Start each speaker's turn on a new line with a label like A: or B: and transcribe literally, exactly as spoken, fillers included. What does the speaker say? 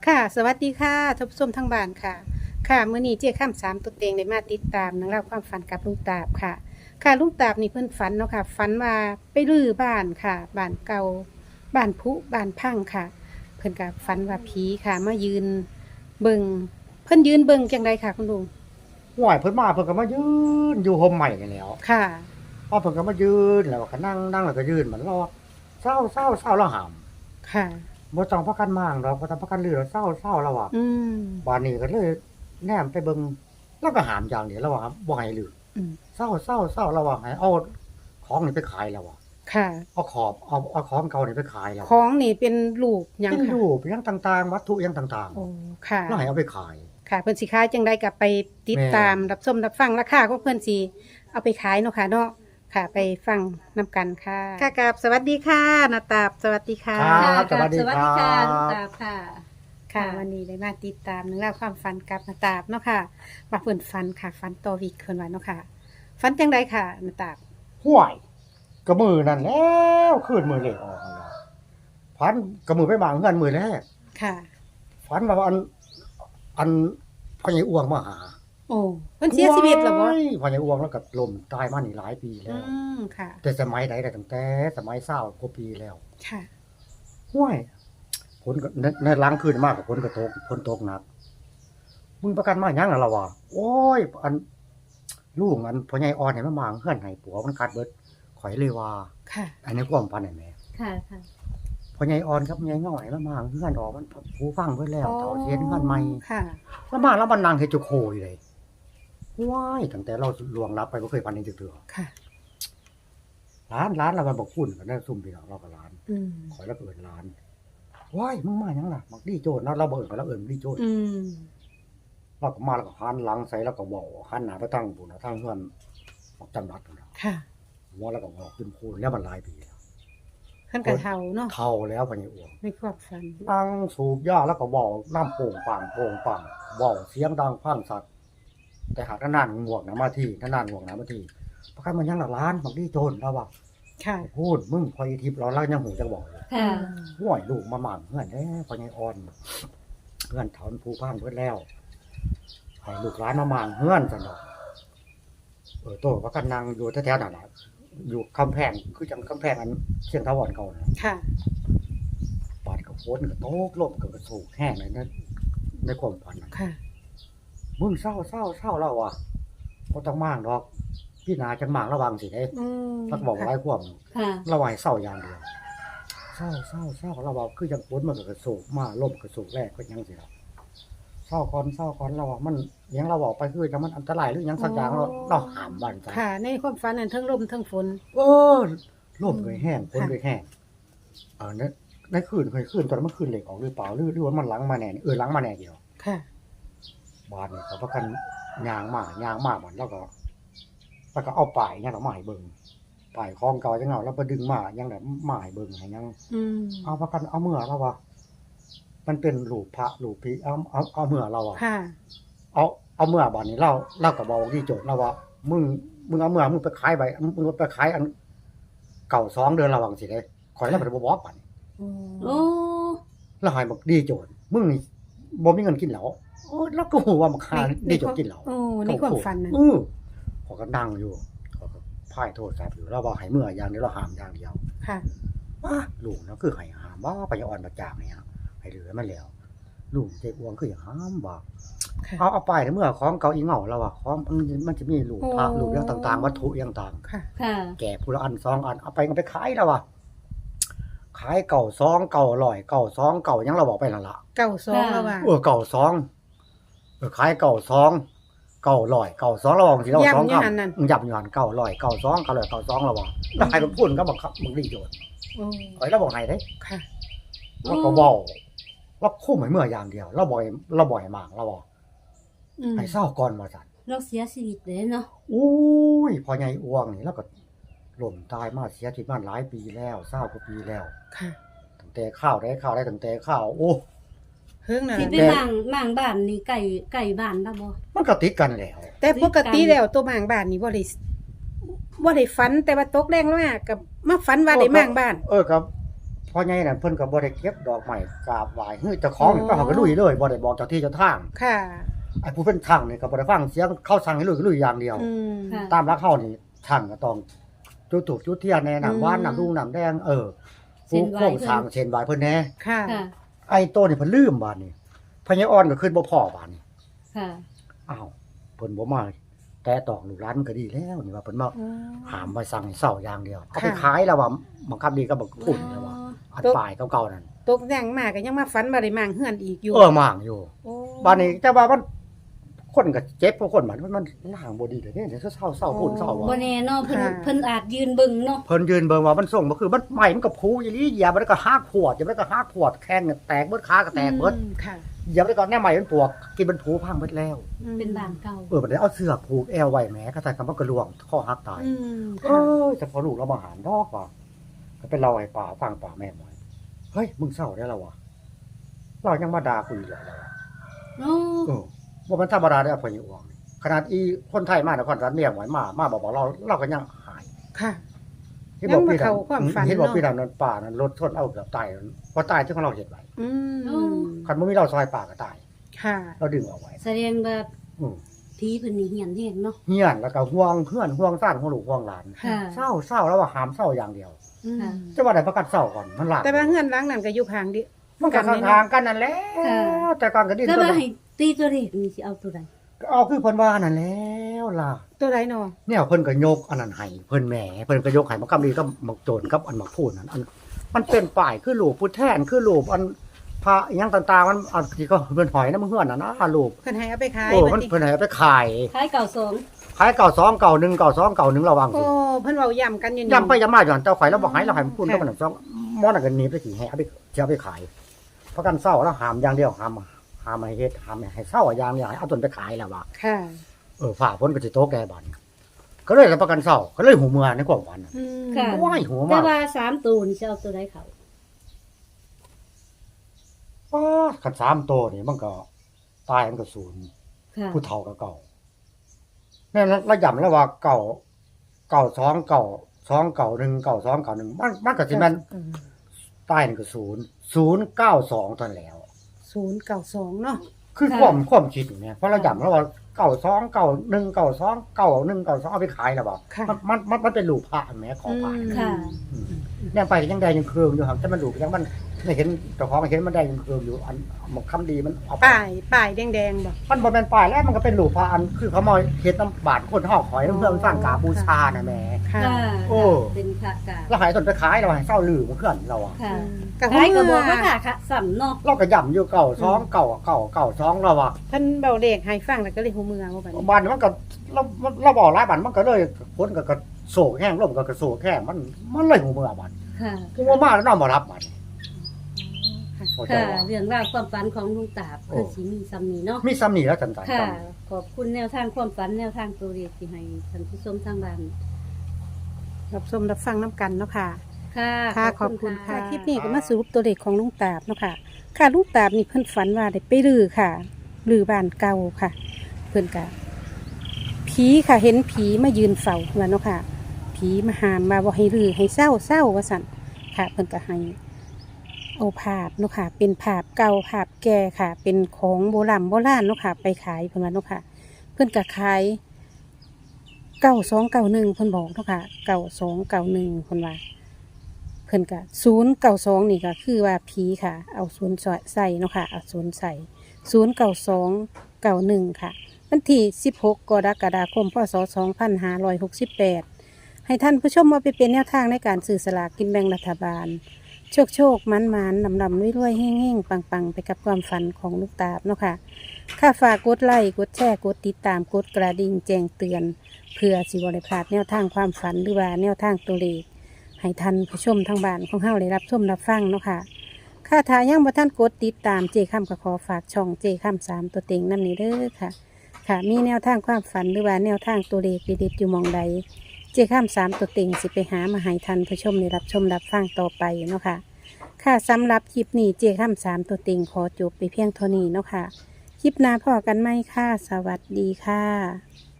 A: ค่ะสวัสดีค่ะท่านผู้ชมทั้งบ้านค่ะค่ะมื้อนี้เจ๊ข้ามสามตัวเต็งได้มาติดตามนังเล่องราวความฝันกับลุงตาบค่ะ ค่ะลุงตาบนี่เพิ่นฝันเนาะค่ะฝันว่าไปรื้อบ้านค่ะบ้านเก่าบ้านผุบ้านพังค่ะ เพิ่นก็ฝันว่าผีค่ะมายืนเบิ่งเพิ่นยืนเบิ่งจังไดค่ะคุณลุง
B: ห่วยเพิ่นมาเพิ่นก็มายืนอยู่ห่มใหม่นี่แหล้ว
A: ค่ะ
B: พอเพิ่นก็มายืนแล้วก็นั่งนั่งแล้วก็ยืนเหมือนรอเศร้าเศร้าเศร้าแล้วหาม
A: ค่ะ
B: บ่ต้องพากันมางดอกบ่ต้องพากันลือแล้วเศร้าเศร้าแล้วว่ะ
A: อืม
B: บัดนี้ก็เลยแนมไปเบิ่งแล้วก็หามอย่างเดียวแล้วว่าบ่ให้ลือ
A: อืม
B: เศร้าเศร้าเศร้าแล้วว่าให้เอาของนี่ไปขายแล้วว่ะ
A: ค่ะ
B: เอาขอบเอาเอาของเก่านี่ไปขายแล้ว
A: ของนี่เป็นรูปหยัง
B: เป็น
A: ค่ะ
B: รูปหยังต่างๆวัตถุหยังต่าง
A: โอ้ค่ะ
B: ๆแล้วให้เอาไปขาย
A: ค่ะเพิ่นสิขายจังไดก็ไปติดตามรับชมรับฟังราคาของเพิ่นสิเอาไปขายเนาะค่ะเนาะค่ะไปฟังนํกันค่ะค่ะกับสวัสดีค่ะนาตาบสวัสดีค่ะ
B: ครับสวัสดี
C: สวัส
B: ค
C: ดี
B: รั
C: ค่ะลุง
B: บ
C: ตาบค่ะ
A: ค่ะ
C: ค่ะ
A: วันนี้ได้มาติดตามเรื่องราวความฝันกับนาตาบเนาะค่ะว่าเพิ่นฝันค่ะฝันต่อวีกเพิ่นว่าเนาะค่ะฝันจังไดค่ะนาตาบ
B: ห่วยก็มือนั่นแล้วคืนมือเลขออกนั่นล่ะพันก็มือไปบางเฮือนมือแรก
A: ค่ะ
B: ฝันว่าอันอันพ่อใหญ่อ้วงมาหา
A: โอ้เพิ่นเสียชีวิตแล้วบ่
B: โอ้ยพ่อใหญ่อ้วงแล้วก็ล้มตายมานี่หลายปี
A: อื
B: แล้ว
A: มค่ะ
B: แต่สมัยใดแต่ตั้งแต่สมัยเศร้ากว่าปีแล้ว
A: ค่ะ
B: ห้วยฝนก็ในในล้างคืนมากกับฝนก็ตกฝนตกหนักมึงประกันมาหยังล่ะล่ะวะโอ้ยอันลูกอันพ่อใหญ่อ่อนให้มาหมางเฮือนให้ผัวมันกัดเบิดข่อยเลยว่า
A: ค่ะ
B: อันนี้ความฝันนั่นแหละ
C: ค่ะค่ะ
B: พ่อใหญ่อ่อนครับพ่อใหญ่น้อยมาหมางเฮือนออกมันผู้ฟังเบิดแล้วเฒ่าเสียนเฮือนใหม่
A: ค่ะ
B: แล้วมาแล้วมันนั่งเฮ็ดจุโคอยู่เลยว้ายตั้งแต่เราล่วงลับไปบ่เคยฝันเห็นจักเทื่อ
A: ค่ะ
B: ร้านร้านเรามันบอกคุณกันได้ซุ่มพี่น้องเราก็ร้าน
A: อืม
B: ขอยแล้วก็เอิ้นร้านว้ายมึงมาหยังล่ะมักดีโจรเราเราบ่เอิ้นเขาเราเอิ้นดีโจร
A: อืม
B: เราก็มาแล้วก็หันหลังใส่แล้วก็เว้าหันหน้าไปทางพุ่นน่ะทางเฮือนออกจังหวัดพุ่นน่ะ
A: ค่ะ
B: หัวแล้วก็งอกขึ้นโคนแล้วมันหลายปีแล้ว
A: เพิ่นก็เฒ่าเนาะ
B: เฒ่าแล้วพ่อใหญ่อ้วง
A: ในความฝัน
B: นั่งสูบยาแล้วก็เว้าน้ำโป่งปังโป่งปังเว้าเสียงดังฟังสัตว์แต่หากนานๆง่วงนะมาที่นานๆง่วงนะมาที่ประกันมันยังล่ะร้านมักดีโจรเราว่า
A: ค่ะ
B: พูดมึงพอยทิพย์เราเล่ายังหูจักบอกเลย
C: ค่ะ
B: ห่วยลูกมาหมั่นเพื่อนแท้พอใหญ่อ่อนเพื่อนถอนผู้พังเพื่อนแล้วให้ลูกหลานมาหมั่นเพื่อนซั่นดอกเออโตว่ากันนั่งอยู่แถวๆนั่นน่ะอยู่กำแพงคือจังกำแพงอันเชียงทาวรเก่าน่ะ
A: ค่ะ
B: ปานก็ฝนก็ตกลมก็กระโศกแห้งเลยนะในความฝันน่ะ
A: ค่ะ
B: มึงเศร้าเศร้าเศร้าแล้วว่ะบ่ต้องมางดอกพี่นาจังมางระวังสิเด้
A: อืม
B: ทักบอกหลายความ
C: ค่ะ
B: ระวังให้เศร้าอย่างเดียวเศร้าเศร้าเศร้าเราบอกคือจังฝนมันก็กระโศกมาลมกระโศกแรกก็ยังสิล่ะเศร้าก่อนเศร้าก่อนเราว่ามันหยังเราบอกไปคือจังมันอันตรายหรือหยังสักอย่างเราเราหามบ้านซะ
A: ค่ะ ในความฝันนั้นทั้งลมทั้งฝน
B: เออลมเคยแห้งฝนเคยแห้งเออในในคืนเคยคืนตอนนั้นมันคืนเหล็กออกหรือเปล่าหรือหรือว่ามันหลังมาแน่เออหลังมาแน่เดียว
A: ค่ะ
B: บ้านนี่เขาประกันยางมายางมามันแล้วก็แล้วก็เอาป้ายยังเอามาให้เบิ่งป้ายคลองเก่าจังเอาแล้วไปดึงมายังแบบมาให้เบิ่งให้ยัง
A: อืม
B: เอาประกันเอาเมื่อเราว่ามันเป็นรูปพระรูปผีเอาเอาเอาเมื่อเราอ่ะ
A: ค่ะ
B: เอาเอาเมื่อบัดนี้เราเราก็บอกที่โจทย์เราว่ามึงมึงเอาเมื่อมึงไปขายใบมึงไปขายอันเก่าสองเดือนระวังสิเด้ข่อยแล้วบ่ได้บ่บอกบัดนี้
C: โอ้
B: แล้วให้บอกดีโจทย์มึงนี่บ่มีเงินกินเหล้าโอ้แล้วก็ฮู้ว่ามันค่าดีโจทย์กินเหล้า
A: โอ้ในความฝันนั้น
B: เออเขาก็นั่งอยู่เขาก็พ่ายโทษศัพท์อยู่แล้วว่าให้เมื่ออย่างเดียวเราห้ามอย่างเดียว
A: ค่ะ
B: ว้าลูกนะคือให้ห้ามว่าไปอ่อนประจางเนี่ยให้เหลือมันแล้วลูกเจ๊อ้วงคืออย่างห้ามว่า
A: ค่ะ
B: เอาเอาไปเมื่อของเก่าอีเหงาแล้วอ่ะของมันมันจะมีลูกพระ
A: โอ้
B: ลูกอย่างต่างๆ วัตถุอย่างต่าง
A: ค่ะ
C: ค่ะ
B: แก่ผู้ละอันสองอันเอาไปก็ไปขายแล้วว่ะขายเก่าซองเก่าอร่อยเก่าซองเก่ายังเราบอกไปนั่นละ
A: เก้าสองแล้วว่า
B: เออเก่าซองเออขายเก่าซองเก่าลอยเก่าซองเราบอกสิเราสอง
A: ย่ำอยู่
B: คำ
A: หันนั่น
B: ยับอยู่หันเก่าลอยเก่าซองเก่าลอยเก่าซองเราบอกแล้วใครมันพูดก็บอกครับมึงรีโจทย์
A: โอ้
B: ไอ้เราบอกให้เด้
A: ค่ะ
B: เราก็เว้าเราคุ้มให้เมื่ออย่างเดียวเราบ่อยเราบ่อยมากเราบอก
A: อืม
B: ให้เศร้าก่อนว่าซั่น
C: เราเสียชีวิตเลยเนาะ
B: อุ้ยพอใหญ่อ้วงนี่แล้วก็ล่มตายมาเสียชีวิตมาหลายปีแล้วเศร้ากว่าปีแล้ว
A: ค่ะ
B: ตั้งแต่ข้าวได้ข้าวได้ตั้งแต่ข้าวโอ้
A: เฮิงน่ะ
C: ที่ไปหมางหมางบ้านนี่ไก่ไก่บ้านได้บ่
B: มันก็ติดกันแล้ว
A: แต่ปกติแล้วตัวหมางบ้านนี่บ่ได้บ่ได้ฝันแต่ว่าตกแรงมากกับมาฝันว่าได้หมางบ้าน
B: เออครับพ่อใหญ่นั่นเพิ่นก็บ่ได้เก็บดอกไม้กราบไหว้เฮ้ยเจ้าของนี่ก็เขาก็ลุยเลยบ่ได้บอกเจ้าที่เจ้าทาง
A: ค่ะ
B: ไอ้ผู้เป็นช่างนี่ก็บ่ได้ฟังเสียงเขาสั่งให้ลุยก็ลุยอย่างเดียว
A: อืม
C: ค่ะ
B: ตามรักเฮานี่ช่างก็ต้องจุดธูปจุดเทียนแน่
A: อืม
B: น้ำหวานน้ำดุงน้ำแดงเออ
C: เส้
B: ผู้
C: นไหว้
B: โค้ง
C: เพิ่น
B: สร้างเส้นไหว้เพิ่นแน่
A: ค่ะ
C: ค่ะ
B: ไอ้โตนี่เพิ่นลืมบาดนี้พญาอ่อนก็ขึ้นบ่พอบาดนี้
C: ค่ะ
B: อ้าวเพิ่นบ่มาแต่ตอกลูกหลานก็ดีแล้วนี่ว่าเพิ่นมา
A: อ๋อ
B: หามไว้สั่งให้เศร้าอย่างเดียวเอาไป
A: ค่ะ
B: ขายแล้วว่าบังคับดีก็บักพุ่นแล้วว่าอัน
A: ตก
B: ปลายเก่าๆนั่น
A: ตกแต่งมาก็ยังมาฝันบ่ได้มางเฮือนอีกอยู่
B: เออมางอยู่
A: โอ้
B: บ้านนี้แต่ว่ามันคนก็เจ็บเพราะคนมันมันมันล่างบ่ดีเด้เนี่ยเดี๋ยวเศร้าเศร้าพุ่นเศร้า
C: บ่
B: ว่า
C: แน่เนาะเพิ่นเพิ่นอาจยืนเบิ่งเนาะ
B: เพิ่นยืนเบิ่งว่ามันส่งบ่คือมันใหม่มันก็พูอีหลีเหยียบมันก็หักขวดจะมันก็หักขวดแข้งเนี่ยแตกเบิดขาก็แตกเบิด
A: อืมค่ะ
B: เหยียบแล้วก็แน่ใหม่มันปวกกินมันผูพังเบิดแล้ว
A: อืม
C: เป็นบ้านเก่า
B: เออบัดนี้เอาเสื้อผูกแอวไว้แหมก็ใส่คำว่าก็ล่วงคอหักตาย
A: อืม
B: เอ
A: ค่ะ
B: อแต่พอลูกเรามาหารดอกว่าก็เป็นเราให้ป่าฟังป่าแม่บ่อยเฮ้ยมึงเศร้าได้แล้ววะเรายังมาด่ากูอีกแล้ววะ
C: โอ้
B: เออว่ามันธรรมดาได้อพญิวงขนาดอีคนไทยมานครรัฐเมียงไว้มามาบอกบอกเราเราก็ยังหาย
A: ค่ะ
B: ที่บอก
A: ยังมา
B: พี่
A: เข้าความฝัน
B: ที่บอก
A: เนาะ
B: พี่ดำนั้นป่านั้นรถชนเอาเกือบตายพอตายที่ของเราเห็นไว้
A: อืม
B: คันบ่มีเราซอยป่าก็ตาย
A: ค่ะ
B: เราดึงเอาไว้
C: แสดงว่า
B: อืม
C: ผีเพิ่นนี่เฮียนแฮงเนาะ
B: เฮียนแล้วก็ห่วงเพื่อนห่วงซ่านห่วงลูกห่วงหลาน
C: ค่ะ
B: เศร้าเศร้าแล้วว่าหามเศร้าอย่างเดียว
A: อืม
C: ค่ะ
B: จะว่าได้ประกันเศร้าก่อนมันหลัก
A: แต่ว่าเฮือนหลังนั้นก็อยู่ข้างดิ
B: มันก็ข้างๆกันนั่นแหละ
C: ค่ะ
B: แต่ก่อนก็ดิ้น
C: แต่
B: ตัว
C: ว่าให้ตีตัวเลขนี่สิเอาตัวใด
B: เอาคือเพิ่นว่านั่นแล้วล่ะ
A: ตัวไรเนาะ
B: เนี่ยเพิ่นก็ยกอันนั้นให้เพิ่นแหมเพิ่นก็ยกให้มากำลีก็มักโจรกับอันมักพูดนั่นอันมันเป็นป้ายคือรูปพุทธแทนคือรูปอันพระอิหยังต่างๆมันอันที่ก็เพิ่นหอยน้ำเฮือนน่ะนะรูป
A: เพิ่นให้เอาไปขาย
B: โอ้มัน
A: บัดนี้
B: เพิ่นให้เอาไปขาย
C: คล้ายเก่าสอง
B: ขายเก่าสองเก่าหนึ่งเก่าสองเก่าหนึ่งระวัง
A: โอ้
B: สิ
A: เพิ่นเว้าย้ำกันอยู่นี่
B: ย้ำไปย้ำมาอยู่หั่นเจ้าข่อยเราบอกให้เราให้มันพูด
A: ค่ะ
B: ก็มันสองมอนั่นก็หนีไปสิให้เอาไปสิเอาไปขายประกันเศร้าแล้วหามอย่างเดียวหามหามให้เฮ็ดหามให้เศร้าอย่างเดียวให้เอาต้นไปขายแล้วว่า
A: ค่ะ
B: เออฝ่าพ้นก็สิโตแก่บัดก็เลยรับประกันเศร้าก็เลยหูเมือในความฝันน่ะ
A: อืม
C: ค่ะ
B: ว้ายหัว
C: แต่
B: มาก
C: ว่าสามตัวนี่สิเอาตัวใดเขา
B: ป้าขันสามโตวนี่มันก็ตายมันก็ศูนย์
C: ค่ะ
B: ผู้เฒ่าก็เก่าเนี่ยระยำแล้วว่าเก่าเก่าสองเก่าสองเก่าหนึ่งเก่าสองเก่าหนึ่งมันมันก็สิแม่น
A: อืม
B: ตายนี่ก็ศูนย์ศูนย์เก้าสองตอนแล้ว
A: ศูนย์เก้าสองเนาะ
B: คือความความคิดอย่างเนี้ยเพราะเราย้ำแล้วว่าเก่าสองเก่าหนึ่งเก่าสองเก่าหนึ่งเก่าสองเอาไปขายแล้วบ่
A: ค่ะ
B: มันมันมันมันเป็นรูปพระแหมของพระ
A: อืม
C: ค่ะ
B: อืมยังไปยังได้ยังเคืองอยู่ห่างแต่มันรูปยังมันไม่เห็นเจ้าของมันเห็นมันได้ยังเคืองอยู่อันหมกคำดีมันเอาไป
A: ป้ายป้ายแดงๆบ่
B: มันบ่แม่นป้ายแล้วมันก็เป็นรูปพระอันคือเขามาเฮ็ดน้ำบาดคนเฮาขอยน้ำเพื่อสร้างกาบูชาน่ะแหม่
A: ค่ะ
C: ค่ะ
B: โอ้
C: เป็นพระกา
B: แล้วหายต้นไปขายเราให้เศร้าลือมันเพื่อนเราอ่ะ
C: ค่ะ
A: กับ
C: คล้ายก็บอกว่าค่ะค่ะสำเนาะ
B: เราก็ย่ำอยู่เก่าสองเก่าเก่าเก่าสองเราอ่ะ
A: เพิ่นเบาเลขให้ฟังแล้วก็เลยหูเมืองว่าบัดนี้
B: บ้านมันก็เราเราบอกหลายบ้านมันก็เลยพ้นก็กระโศกแห้งลมก็กระโศกแห้งมันมันเลยหูเมื่อบ้าน
C: ค่ะ
B: คือว่ามาแล้วน้องมารับบ้านเข้าใจ
C: ค่ะ
B: ว่า
C: เรื่องราวความฝันของลุงตาบ
B: โอ้
C: คือสิมีซ้ำนี้เนาะ
B: มีซ้ำนี่แล้วจันใจ
C: ค่ะ
B: ซ้
C: ขอบคุณแนวทางความฝันแนวทางตัวเลขที่ให้ท่านผู้ชมทางบ้าน
A: รับชมรับฟังน้ำกันเนาะค่ะ
C: ค่ะ
A: ค่ะขอบคุณค่ะคลิปนี้ก็มาสรุปตัวเลขของลุงตาบเนาะค่ะ ค่ะลุงตาบนี่เพิ่นฝันว่าได้ไปรื้อค่ะรื้อบ้านเก่าค่ะ เพิ่นก็ผีค่ะเห็นผีมายืนเฝ้าเพิ่นว่าเนาะค่ะ ผีมาหามมาบ่ให้รื้อให้เศร้าเศร้าว่าสั่นค่ะ เพิ่นก็ให้เอาภาพเนาะค่ะ เป็นภาพเก่าภาพแก่ค่ะ เป็นของโบราณโบราณเนาะค่ะ ไปขายเพิ่นว่าเนาะค่ะ เพิ่นก็ขายเก้าสองเก้าหนึ่งเพิ่นบอกเนาะค่ะเก้าสองเก้าหนึ่งเพิ่นว่า เพิ่นก็ศูนย์เก้าสองนี่ก็คือว่าผีค่ะ เอาศูนย์ใส่เนาะค่ะเอาศูนย์ใส่ศูนย์เก้าสองเก้าหนึ่งค่ะวันที่สิบหกกรกฎาคมพศสองพันห้าร้อยหกสิบแปดให้ท่านผู้ชมมาไปเป็นแนวทางในการสื่อสลากกินแบ่งรัฐบาล โชคโชคมันมันนำนำรวยๆแห้งๆปังๆ ไปกับความฝันของลูกตาบเนาะค่ะค่าฝากกดไลค์กดแชร์กดติดตามกดกระดิ่งแจ้งเตือน เพื่อสิบริพลาดแนวทางความฝันหรือว่าแนวทางตัวเลขให้ท่านผู้ชมทางบ้านของเฮาได้รับชมรับฟังเนาะค่ะค่าทายังบ่ท่านกดติดตามเจค้ำก็ขอฝากช่องเจค้ำสามตัวเต็งนำนี้เด้อค่ะ ค่ะมีแนวทางความฝันหรือว่าแนวทางตัวเลขเด็ดๆอยู่หมองใด เจค้ำสามตัวเต็งสิไปหามาให้ท่านผู้ชมได้รับชมรับฟังต่อไปเนาะค่ะ ค่ะสำหรับคลิปนี้เจค้ำสามตัวเต็งขอจบไปเพียงเท่านี้เนาะค่ะ คลิปหน้าพอกันไหมค่ะ สวัสดีค่ะ